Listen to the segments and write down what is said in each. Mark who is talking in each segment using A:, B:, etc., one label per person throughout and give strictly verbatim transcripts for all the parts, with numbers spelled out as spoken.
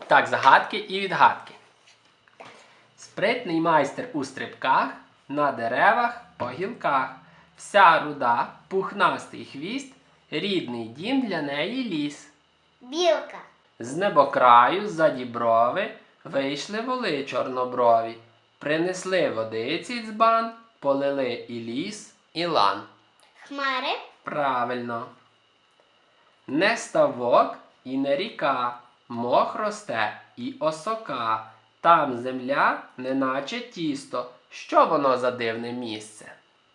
A: Так, загадки і відгадки. Спритний майстер у стрибках, на деревах, по гілках. Вся руда, пухнастий хвіст, рідний дім для неї ліс.
B: Білка.
A: З небокраю, за діброви, вийшли воли чорноброві. Принесли водиці дзбан, полили і ліс, і лан.
B: Хмари.
A: Правильно. Не ставок і не ріка, мох росте і осока. Там земля, неначе тісто. Що воно за дивне місце?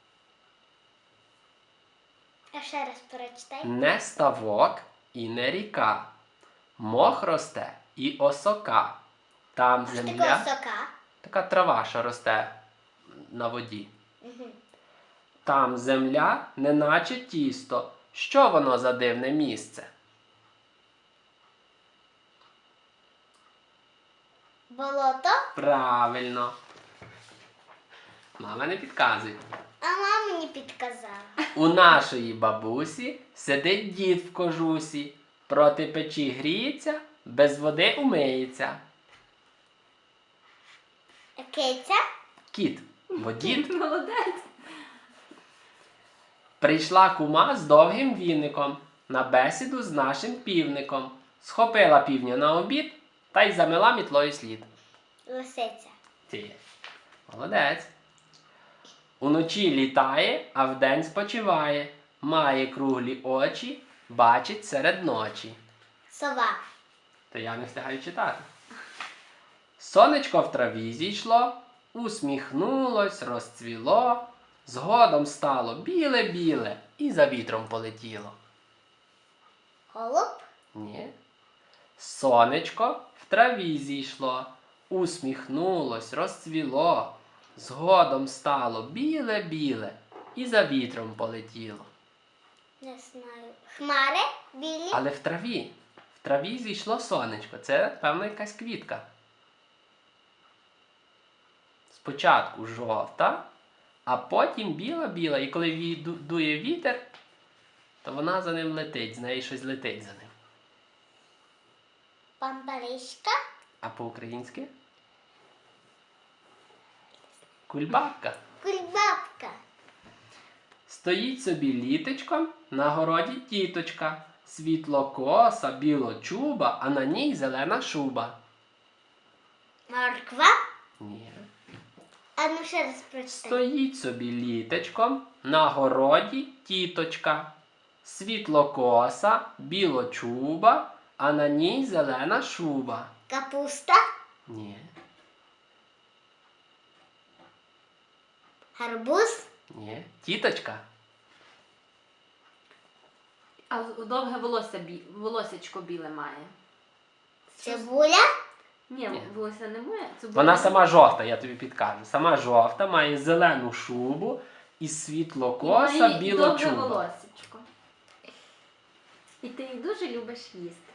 B: А ще раз прочитай.
A: Не ставок і не ріка, мох росте і осока. Там
B: Що таке
A: земля,
B: сока?
A: така трава, що росте на воді.
B: Угу.
A: Там земля, неначе тісто. Що воно за дивне місце?
B: Болото.
A: Правильно. Мама не підказує.
B: А мама мені підказала.
A: У нашої бабусі сидить дід в кожусі, проти печі гріється, без води умиється.
B: Киця.
A: Кіт, бо дід.
C: Молодець.
A: Прийшла кума з довгим віником на бесіду з нашим півником. Схопила півня на обід та й замила мітлою слід.
B: Лисиця.
A: Ти. Молодець. Уночі літає, а вдень спочиває. Має круглі очі, бачить серед ночі.
B: Сова.
A: То я не встигаю читати. Сонечко в траві зійшло, усміхнулось, розцвіло, згодом стало біле-біле і за вітром полетіло.
B: Голуб.
A: Ні. Сонечко в траві зійшло, усміхнулось, розцвіло, згодом стало біле-біле і за вітром полетіло.
B: Не знаю. Хмари. Білі.
A: Але в траві. В траві зійшло сонечко. Це, певно, якась квітка. Спочатку жовта, а потім біла-біла. І коли ві- ду- дує вітер, то вона за ним летить, з неї щось летить за ним.
B: Пампаришка.
A: А по-українськи? Кульбабка.
B: Кульбабка.
A: Стоїть собі літочком, на городі тіточка. Світлокоса, білочуба, а на ній зелена шуба.
B: Морква.
A: Ні.
B: А ну ще раз прочитай.
A: Стоїть собі літочком, на городі тіточка. Світлокоса, білочуба, а на ній зелена шуба.
B: Капуста.
A: Ні.
B: Гарбуз.
A: Ні. Тіточка.
C: А довге волосся бі... волосечко біле має.
B: Цибуля.
C: Ні,
A: Ні.
C: волосся не має. Це
A: Вона
C: буде-
A: сама жовта, я тобі підкажу. Сама жовта, має зелену шубу і
C: І
A: світлокоса,
C: має довге
A: білочуба.
C: волосечко. І ти їх дуже любиш їсти.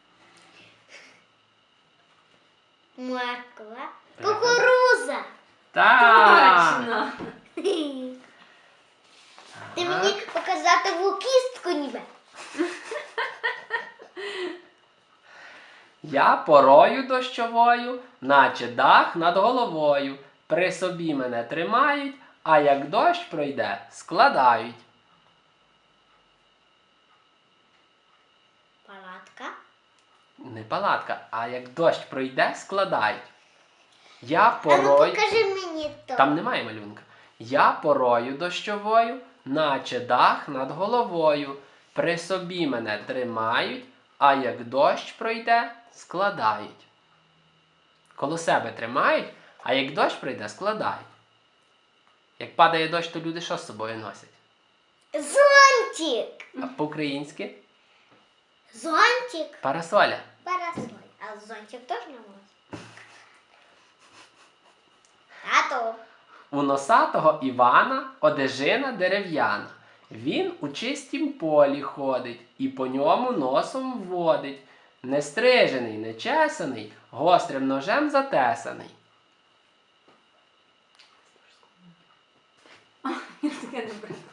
B: Морква. Кукуруза.
A: Так!
C: Точно!
B: Ти мені показати кістку ніби.
A: Я порою дощовою, наче дах над головою. При собі мене тримають, а як дощ пройде, складають.
B: Палатка.
A: Не палатка, а як дощ пройде, складають. Я
B: А ну
A: порою...
B: покажи мені то.
A: Там немає малюнка. Я порою дощовою, наче дах над головою. При собі мене тримають, а як дощ пройде, складають. Коло себе тримають, а як дощ пройде, складають. Як падає дощ, то люди що з собою носять?
B: Зонтик.
A: А по-українськи?
B: Зонтик.
A: Парасоля.
B: Парасоль. А зонтик теж не можна. Тато.
A: У носатого Івана одежина дерев'яна. Він у чистім полі ходить і по ньому носом вводить. Нестрижений, нечесаний, гострим ножем затесаний.
C: Я таке не брала.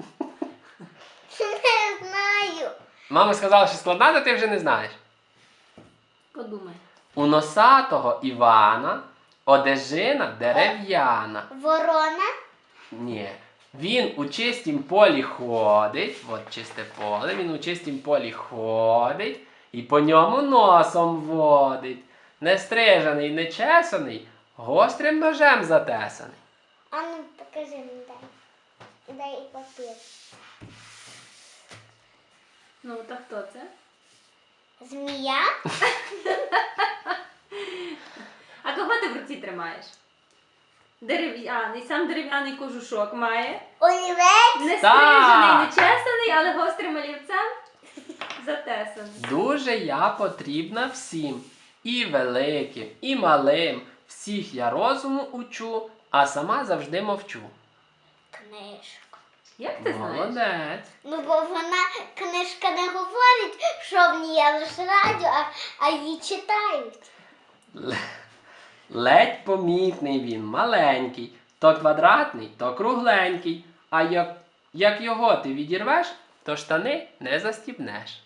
B: Не знаю.
A: Мама сказала, що складна, то ти вже не знаєш.
C: Подумай.
A: У носатого Івана одежина дерев'яна.
B: Ворона.
A: Ні. Він у чистім полі ходить, от чисте поле, він у чистім полі ходить і по ньому носом водить. Нестрижений, нечесаний, гострим ножем затесаний.
B: А ну покажи мені дай. Дай і папір.
C: Ну, та хто це?
B: Змія.
C: А кого ти в руці тримаєш? Дерев'яний, сам дерев'яний кожушок має.
B: Олівець.
C: Не
A: Так.
C: стрижений, не чесаний, але гострим олівцем затесаний.
A: Дуже я потрібна всім, і великим, і малим. Всіх я розуму учу, а сама завжди мовчу.
B: Книжка.
C: Як ти знаєш?
A: Молодець.
B: Ну, бо вона, книжка не говорить, що в ній є лише радіо, а, а її читають.
A: Л- Ледь помітний він, маленький, то квадратний, то кругленький. А як, як його ти відірвеш, то штани не застібнеш.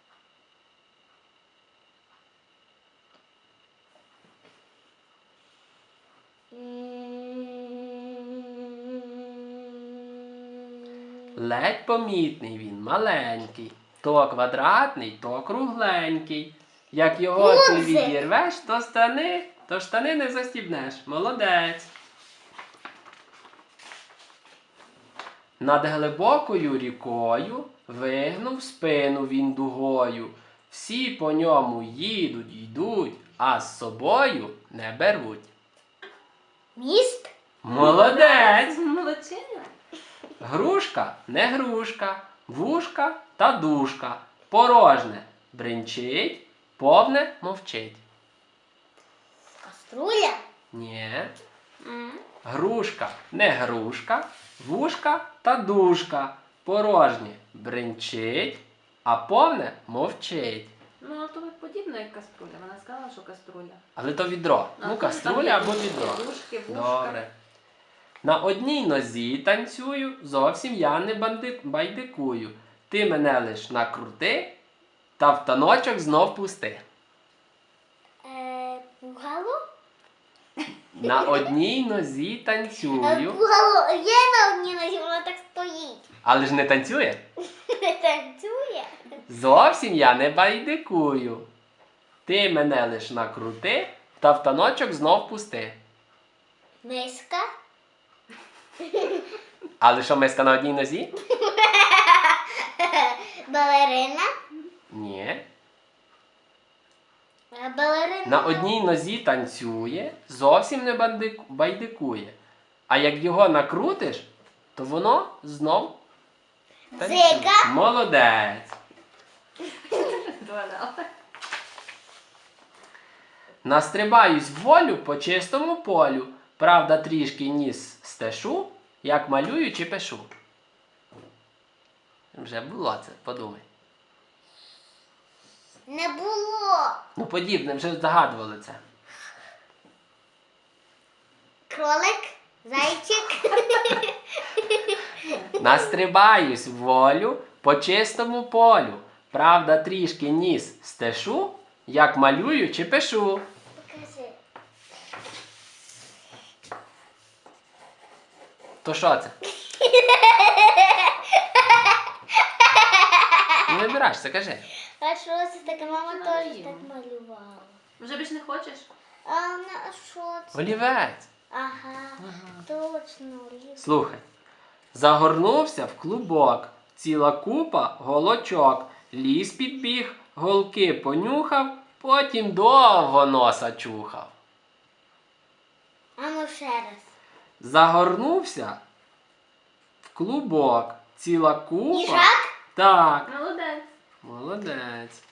A: Ледь помітний він, маленький, то квадратний, то кругленький. Як його ти
B: Гудзик.
A: відірвеш, то штани, то штани не застібнеш. Молодець. Над глибокою рікою вигнув спину він дугою. Всі по ньому їдуть, йдуть, а з собою не беруть.
B: Міст.
A: Молодець!
C: Молодчина.
A: Грушка не грушка, вушка та душка. Порожне бринчить, повне мовчить.
B: Каструля.
A: Ні.
C: М.
A: Грушка не грушка, вушка та душка. Порожнє бринчить, а повне мовчить.
C: Ну, а то подібно як каструля. Вона сказала, що каструля.
A: Але то відро.
C: А
A: Ну,
C: то
A: каструля
C: там
A: або
C: є
A: відро.
C: Дужки, вушка.
A: Добре. На одній нозі танцюю, зовсім я не банди- байдикую. Ти мене лиш накрути, та в таночок знов пусти.
B: Е, пугало.
A: На одній нозі
B: Е,
A: танцюю,
B: пугало є на одній нозі, воно так стоїть.
A: але ж не танцює.
B: Не танцює.
A: Зовсім я не байдикую. Ти мене лиш накрути, та в таночок знов пусти.
B: Миска.
A: Але що, миска на одній нозі?
B: Балерина.
A: Ні.
B: Е, Балерина.
A: На одній нозі танцює, зовсім не бандик- байдикує. А як його накрутиш, то воно знов танцює.
B: Зига.
A: Молодець.
C: Вгадала.
A: Настрибаюсь в волю по чистому полю. Правда, трішки ніс стешу, як малюю чи пишу. Вже було це, подумай.
B: Не було.
A: Ну, подібне, вже загадували це.
B: Кролик. Зайчик.
A: Настрибаюсь в волю по чистому полю. Правда, трішки ніс стешу, як малюю чи пишу.
B: Покажи.
A: То що це? Не вибираєшся, кажи.
B: А що це таке? Мама
C: Що
B: теж
C: малюємо?
B: так малювала.
C: Вже більш не хочеш?
B: А на що це?
A: Олівець.
B: Ага, точно. Олівець.
A: Слухай. Загорнувся в клубок, ціла купа голочок. Ліс підбіг, голки понюхав, потім довго носа чухав.
B: А ну ще раз.
A: Загорнувся в клубок, ціла купа.
B: Їжак?
A: Так,
C: Молодець.
A: молодець.